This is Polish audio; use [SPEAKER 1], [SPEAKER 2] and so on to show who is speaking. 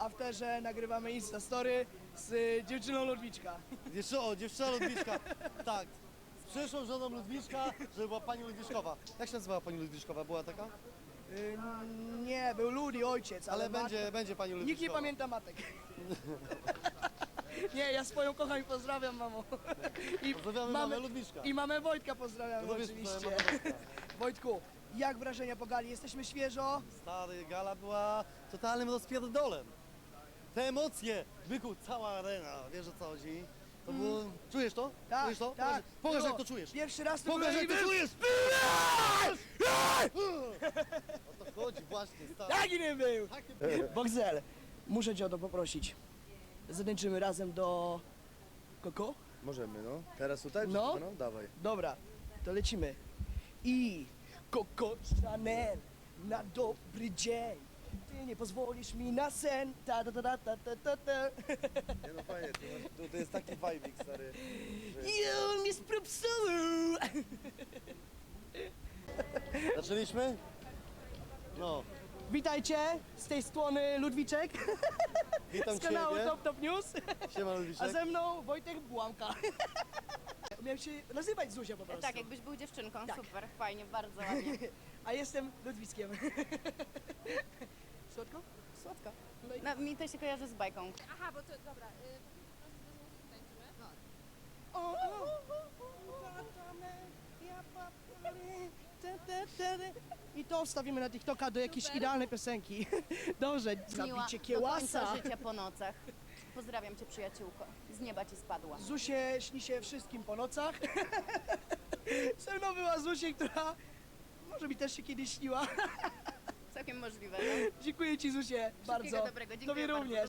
[SPEAKER 1] afterze nagrywamy Instastory z dziewczyną Ludwiczka.
[SPEAKER 2] Dziewczyna Ludwiczka. Tak. Z przyszłą żoną Ludwiczka, żeby była pani Ludwiczkowa. Jak się nazywała pani Ludwiczkowa? Była taka?
[SPEAKER 1] Nie, był Ludi ojciec, ale,
[SPEAKER 2] Ale będzie pani Ludwiczkowa.
[SPEAKER 1] nikt nie pamięta matek. Nie, ja swoją kocham i pozdrawiam, mamo. I
[SPEAKER 2] Pozdrawiamy mamę Ludwiczka.
[SPEAKER 1] I mamę Wojtka pozdrawiamy
[SPEAKER 2] No wiesz,
[SPEAKER 1] oczywiście.
[SPEAKER 2] mamę Wojtka.
[SPEAKER 1] Wojtku, jak wrażenia po gali? Jesteśmy świeżo.
[SPEAKER 2] Stary, gala była totalnym rozpierdolem. Te emocje, byku, cała arena, wiesz o co chodzi? To było... Czujesz to?
[SPEAKER 1] Tak,
[SPEAKER 2] Czujesz to?
[SPEAKER 1] tak.
[SPEAKER 2] Pokaż
[SPEAKER 1] Było.
[SPEAKER 2] jak to czujesz.
[SPEAKER 1] Pierwszy raz to
[SPEAKER 2] Pokaż jak
[SPEAKER 1] byłem
[SPEAKER 2] to
[SPEAKER 1] i
[SPEAKER 2] czujesz! O to chodzi właśnie, stary.
[SPEAKER 1] taki nie był. Boxel, muszę cię o to poprosić. Zatańczymy razem do... Koko?
[SPEAKER 3] Możemy, no. Teraz tutaj?
[SPEAKER 1] No.
[SPEAKER 3] No, dawaj.
[SPEAKER 1] Dobra, to lecimy. I Coco Chanel na dobry dzień. Ty nie pozwolisz mi na sen. Ta ta ta ta ta ta ta ta.
[SPEAKER 3] Nie no fajnie, to jest taki vibe, stary. Że...
[SPEAKER 1] You mi spropsuł.
[SPEAKER 2] Zaczęliśmy? No,
[SPEAKER 1] Witajcie, z tej strony Ludwiczek
[SPEAKER 2] witam
[SPEAKER 1] z kanału
[SPEAKER 2] Ciebie.
[SPEAKER 1] Top Top News.
[SPEAKER 2] Siema
[SPEAKER 1] A
[SPEAKER 2] Ludwiczek.
[SPEAKER 1] ze mną Wojtek Błamka. Miałem się nazywać Zuzia po prostu.
[SPEAKER 4] Tak, jakbyś był dziewczynką,
[SPEAKER 1] Tak.
[SPEAKER 4] super, fajnie, bardzo ładnie.
[SPEAKER 1] A jestem Ludwickiem. Słodko?
[SPEAKER 4] Słodko.
[SPEAKER 1] No i...
[SPEAKER 4] No, mi to się kojarzy z bajką.
[SPEAKER 5] Aha, bo to dobra. Tańczymy? No.
[SPEAKER 1] I to wstawimy na TikToka do jakiejś
[SPEAKER 5] Super.
[SPEAKER 1] idealnej piosenki. Dobrze,
[SPEAKER 4] Miła,
[SPEAKER 1] zabicie
[SPEAKER 4] do
[SPEAKER 1] kiełasa.
[SPEAKER 4] końca życia po nocach. Pozdrawiam cię, przyjaciółko. Z nieba ci spadła.
[SPEAKER 1] Zusie śni się wszystkim po nocach. Ze mną była Zusie, która może mi też się kiedyś śniła.
[SPEAKER 4] Całkiem możliwe, no.
[SPEAKER 1] Dziękuję ci Zusie bardzo.
[SPEAKER 4] dobrego, dziękuję
[SPEAKER 1] Tobie
[SPEAKER 4] bardzo.
[SPEAKER 1] również.